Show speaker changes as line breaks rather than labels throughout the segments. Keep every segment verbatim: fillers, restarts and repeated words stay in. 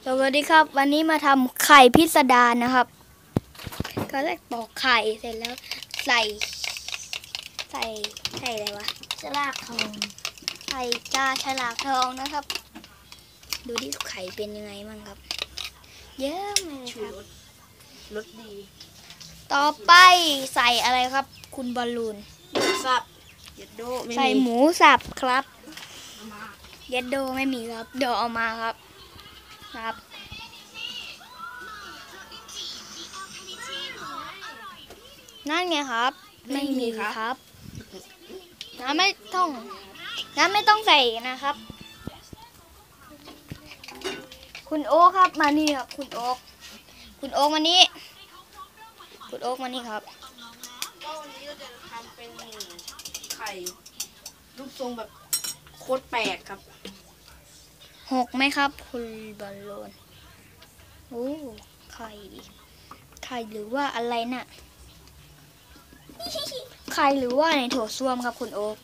สวัสดีครับวันนี้มาทำไข่พิสดารนะครับก็แรกปอกไข่เสร็จแล้วใส่ใส่ใส่อะไรวะฉลากทองใส่กาฉลากทองนะครับดูที่ไข่เป็นยังไงมั่งครับเยอะเลยครับ
รสดี
ต่อไปใส่อะไรครับคุณบอลลูน
หมูสับเย็ดโดไม่มี
ใส่หมูสับครับเย็ดโดไม่มีครับเดี๋ยวเอามาครับครับนั่นไงครับไม่มีครับน้ำไม่ต้องน้ำไม่ต้องใส่นะครับคุณโอ๊คครับมานี่ครับคุณโอ๊คคุณโอ๊คมานี่คุณโอ๊คมานี่ครับ
ก็วันนี้เราจะทำเป็นไข่รูปทรงแบบโคตรแปลกครับ
หกไหมครับคุณบอลลูนโอ้ไข่ไข่หรือว่าอะไรน่ะไข่หรือว่าในโถส้วมครับคุณโอ๊ค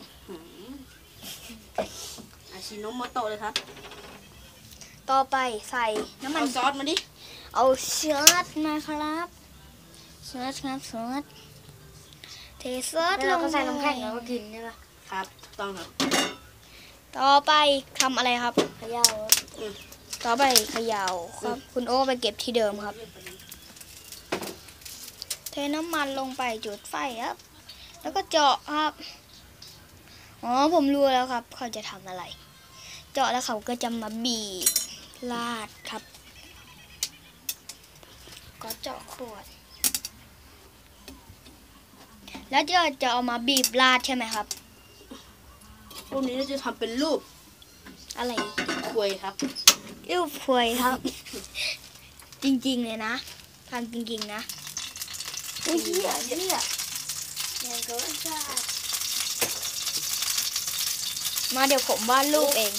อาชิโนโมโตะเลยครับ
ต่อไปใส่น้ำมัน
เอาซอสมาดิ
เอาเชื้อมาครับเชื้อครับเชื้อเทซอสลงใส่น้ำแข็งแล้วก็กินใช่ปะ
ครับต้องครับ
ต่อไปทำอะไรครับเขย่าต่อไปเขย่าครับคุณโอ๊คไปเก็บที่เดิมครับเทน้ำมันลงไปจุดไฟครับแล้วก็เจาะครับอ๋อผมรู้แล้วครับเขาจะทำอะไรเจาะแล้วเขาก็จะมาบีบลาดครับก็เจาะขวดแล้วจะจะเอามาบีบลาดใช่ไหมครับ
พวกนี้เราจะทำเป็นรูป
อะไร
ควยครับ
รูปควยครับ จริงๆเลยนะทำจริงๆนะอุ้ยเหี้ยเหี้ยยังก็จะมาเดี๋ยวผมวาดรูปเอง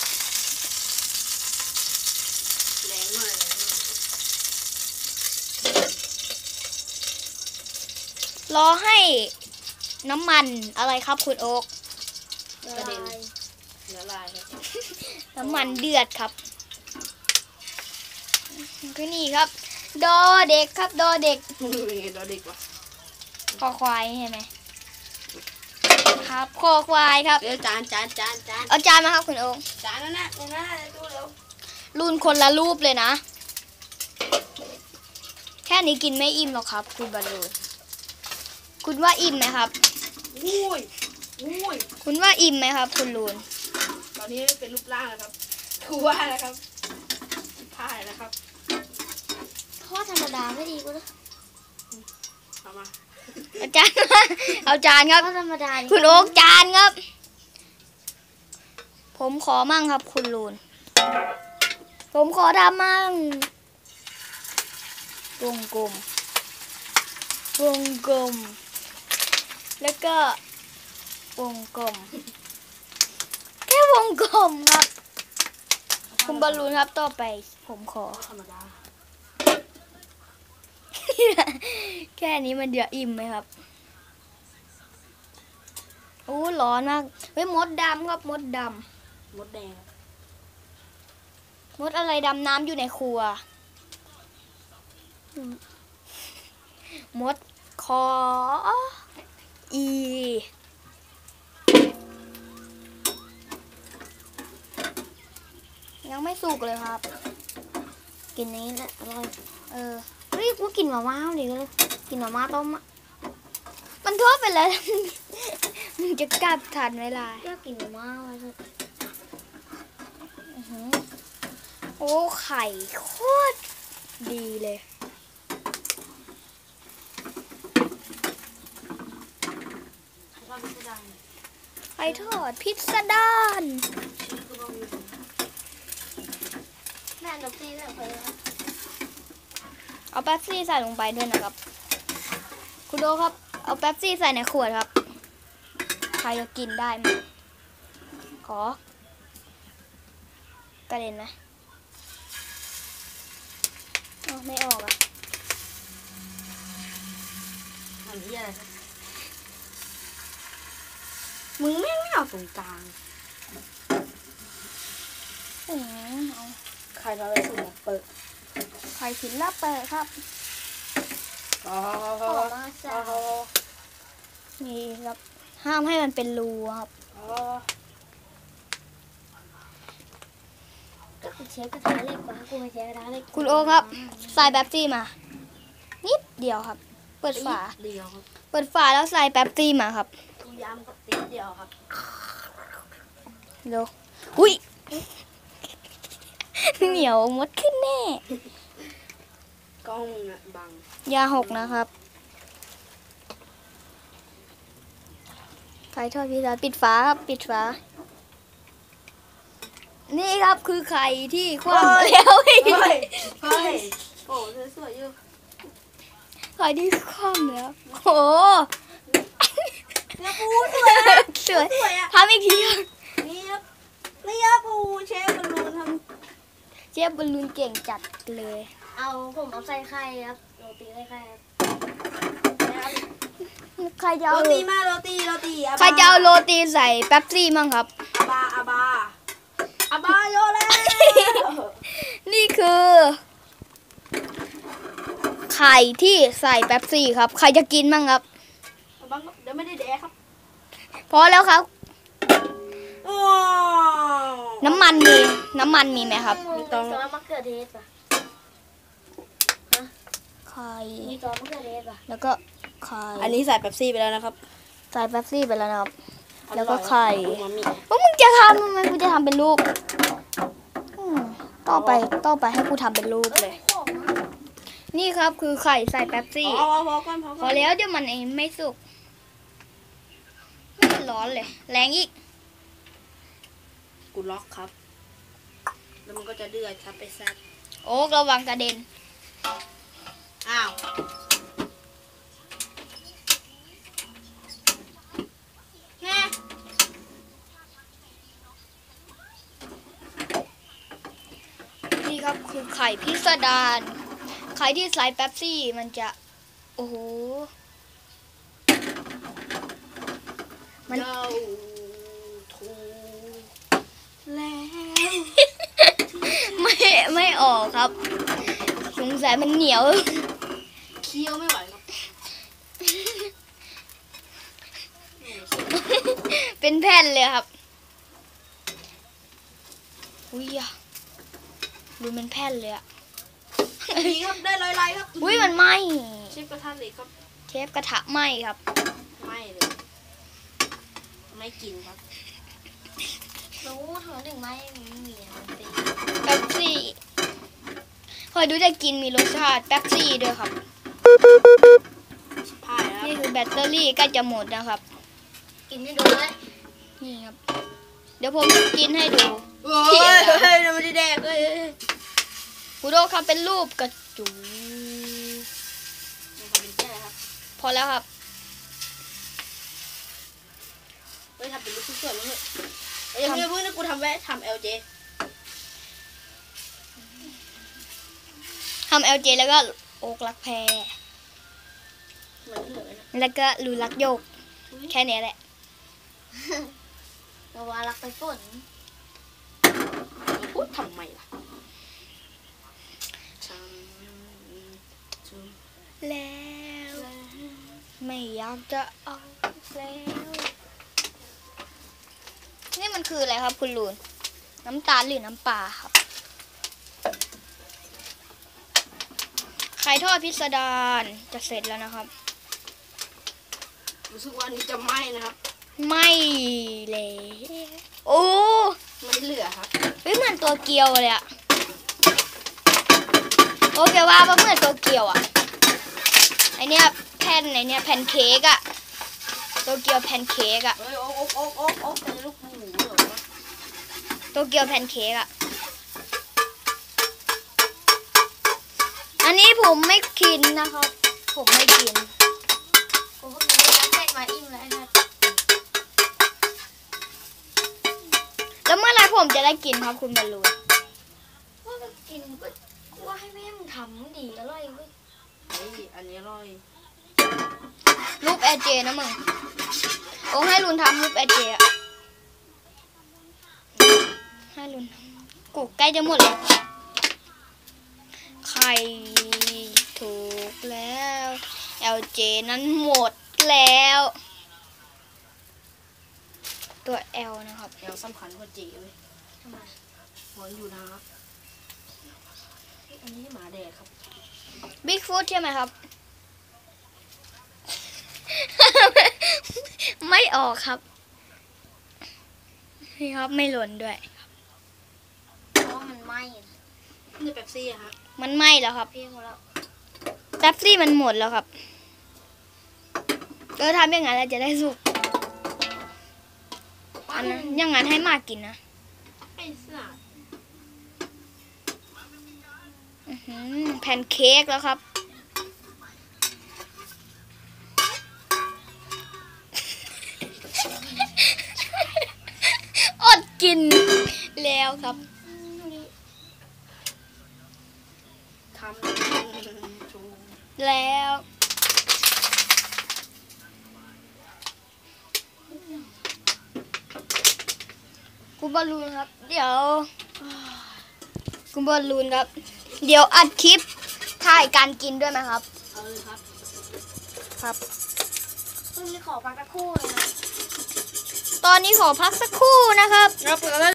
แรงมาก
รอให้น้ำมันอะไรครับคุณโอ๊ค
กระเด็นละลายครับ
น้ำมันเดือดครับก็นี่ครับดอเด็กครับดอเด็ก
เป็นไงดอเด็กวะ
คอควายใช่ไหมครับคอควายครับ
เดี๋ยวจานจานจานจาน
เอาจานมาครับคุณโอ๊ค
จานนั่นนะนั่นนะดูเร็ว
รุ่นคนละรูปเลยนะแค่นี้กินไม่อิ่มหรอกครับคุณบอลลูนคุณว่าอิ่มไหมครับ
อุ้ยอุ้ย
คุณว่าอิ่มไหมครับคุณลูน
ตอนนี้เป็นรูปร่างแล้วครับคือว่าแล้วครับผ่ายแล้วครับ
ทอดธรรมดาไม่ดีกว่าเหรอ
เอามา
เอาจานเอาจานครับ
ธรรมดา
คุณโอ๊คจานครับผมขอมั่งครับคุณลูนผมขอทำมั่งวงกลมวงกลมแล้วก็วงกลมแค่วงกลมครับคุณบอลลูนครับต่อไปผมขอ
ธรรมดา
แค่นี้มันเดือดอิ่มไหมครับโอ้ร้อนมากเฮ้ยมดดำครับมดด
ำมดแดง
มดอะไรดำน้ำอยู่ในครัวมดคออียังไม่สุกเลยครับ
กินนี้แหละอร่อย
เออ
เฮ้ยกูกินมาม่าดิก็เลยกินมาม่าต้มอ่ะ
มันทั่วไปแล้วมึงจะกลับทันเวลา
อยากกินมาม่าไว้เลย
โอ้ไข่โคตรดีเลยไข่ทอดพิสดาร
แม่นกซี่ใส่ไป
เอาแป๊บซี่ใส่ลงไปด้วยนะครับคุณโดครับเอาแป๊บซี่ใส่ในขวดครับใครจะกินได้ไหมขอกระเด็นไหมอ๋อไม่ออกอ่ะ
อันนี้อะไรมึงไม่ไม่เอาตรงกลาง
โอ้เอาไ
ข่ทอดไข่สุกเปิด
ไข่ศิลาเปิดครับ
อ๋อ
ขอมาสาว
นี่ครับห้ามให้มันเป็นรูครับ
อ๋อ
ก็คือเชฟกระทะเหล็กปะกูไม่ใช้กระทะเหล็ก
คุณโอครับใส่แป๊บซี่มา นิดเดียวครับ เปิดฝา
เดียวครับ
เปิดฝาแล้วใส่แป๊บซี่มาครับ
กูย้ำกับติ๊กเดียวครับ
เร็วหุ้ย เหนียวมดขึ้นแน่
กล้องอะบัง
ยาหกนะครับไข่ทอดพิซซ่าปิดฝาครับ ปิดฝา นี่ครับคือไข่ที่คว่ำแล้ว
เฮ้ยเฮ้ยโอ้สวยๆอยู่
ไข่ที่คว่ำแล้วโอ้
เนื้อปูสวยอะ
สวย
สวยอะ
ทำอีกทีครับ
นี่ครับนี่ครับปูเชฟบอลลูนท
เชฟบอลลูนเก่งจัดเลย
เอาผมเอาใส่ไข่ครับโรตีใส่ไข่ครับ
ำนะครับ
ใครจะ
โร
เอา
ตีมาโรตีโรตีอาบา
ใครจะเอาโรตีใส่แป๊บซี่มั่งครับ
อาบาอาบาอาบาโยแล้ว
นี่คือ ไข่ที่ใส่แป๊บซี่ครับ ใครจะกินมั่งครับ
อาบังเดี๋ยวไม่ได้แดกครับ
พอแล้วครับ
ว้าว
น้ำมันมีน้ำมันมีไหมครับ
มีซอสมะเขือเทศปะ
ไข่
มีซอสมะเขือเทศปะ
แล้วก็ไข่
อันนี้ใส่เป๊ปซี่ไปแล้วนะครับ
ใส่แป๊บซี่ไปแล้วนะครับ แล้วก็ไข่
อูมามิ
ว่ามึงจะทำทำไมกูจะทำเป็นรูปอืมต่อไปต่อไปให้กูทำเป็นรูปเลย
ของอะ
นี่ครับคือไข่ใส่แป๊บซี่
เอาเอาพอก่อนพอ
พ
ก่
อ
อน
แล้วเดี๋ยวมันเองไม่สุกไม่ร้อนเลย แรงอีก
กูล็อกครับ แล้วมันก็จะเดือดครับไปแซ่บ
โอ๊กระวังกระเด็น
อ้าวแน่
นี่ครับคือไข่พิสดารไข่ที่ใส่แป๊บซี่มันจะ โอ้โห มัน
เจ้าถูกแล้ว
ไม่ไม่ออกครับ สงสัยมันเหนียว
เคี้ยวไม่ไหวครับ
เป็นแผ่นเลยครับอุ้ยอะดูเป็นแผ่นเลยอะ
นี่ครับได้ลอยๆครับ
อุ้ยมันไหม
เชฟกระทะเหล็กครับ
เชฟกระทะไหมครับ
ไม่เลย ไม่กินครับ
รู้เธอหนึ่งไม้ไม่มีอะมันตี
แป๊บซี่คอยดูจะกินมีรสชาติแป๊บซี่ด้วยครับ
พายแล้ว
นี่คือแบตเตอรี่ใกล้จะหมดนะครับ
กินให้ดูเลย
นี่ครับ เดี๋ยวผมกินให้ดู
โอ้ยเฮ้ยไม่ได้แดกเลย
คุณโดครับเป็นรูปกระจู
มันทำเป็นแค่ครับ
พอแล้วครับ
เฮ้ยทำเป็นลูกสวยๆมั้งเถอะเอ้ยยังไม่เพิ่งนะกูทำแวะทำเอลเจ
ทำ แอล เจ แล้วก็โอกรักแพร
เหมือนเหลือนะ
แล้วก็ลูรักโยก แค่นี้แหละ
เราว่ารักไปฝน
พูดทำไมล่ะทำ
แล้ว ไม่อยากจะเอาแล้ว นี่มันคืออะไรครับคุณลูน น้ำตาลหรือน้ำปลาครับ ไข่ทอดพิสดารจะเสร็จแล้วนะครับ
รู้สึกว่าอันนี้จะไหม้นะครับ
ไม่เลยโอ้
ไม่เหลือครับ
เฮ้ยเหมือนตัวเกียวเลยอะโอเคว่าปะเหมือนตัวเกียวอะไอเนี้ยแผ่นไอเนี้ยแผ่นเค้กอะตัวเกียวแผ่นเค้กอะ
เฮ้ยโอ๊กโอ๊กโอ๊กโอ๊กเป็นลูกหมูเหรอวะ
ตัวเกียวแผ่นเค้กอะอันนี้ผมไม่กินนะครับ ผมไม่กิน
กูก็กินแล้วเสร็จมาอิ่มแล้วไอ้นัท
แล้วเมื่อไหรผมจะได้กินครับคุณบอลลูน
ว่าก็กินก็กูว่าให้แม่มึงทำมึงดีอร่อยเว้ย
เฮ้ยอันนี้อร่อย
รูปแอร์เจนะมึงโอ้ให้ลุนทำรูปแอร์เจอะให้ลุนทำกูใกล้จะหมดแล้วไข่ถูกแล้ว แอล เจ นั้นหมดแล้ว ตัว L นะครับ
แอลสำคัญกว่าเจเลย
ทำไม
หอนอยู่นะครับอันนี้หมาแดกครับ
บิ๊กฟูดใช่ไหมครับ ไม่ออกครับ นี่ครับไม่หล่นด้วย
เพราะว่ามันไหม้อะ
นี่เป๊ปซี่อะฮะ
มันไหม้แล้วครับ
พี่เขาแล้ว
แป๊บซี่มันหมดแล้วครับเออทำอย่างนั้นเราจะได้สุกอันนั้นอย่างนั้นให้มากกินนะ
ไอ้สัตว์
อื้อหือแพนเค้กแล้วครับ อดกินแล้วครับ
ทำชู
แล้วคุณบอลลูนครับ เดี๋ยวคุณบอลลูนครับ เดี๋ยวอัดคลิปถ่ายการกินด้วยไหมครับ
เอาเลยครับ
ครับ
พรุ่งนี้ขอพักสักครู่เลยนะ
ตอนนี้ขอพักสักครู่นะครับ
ครับ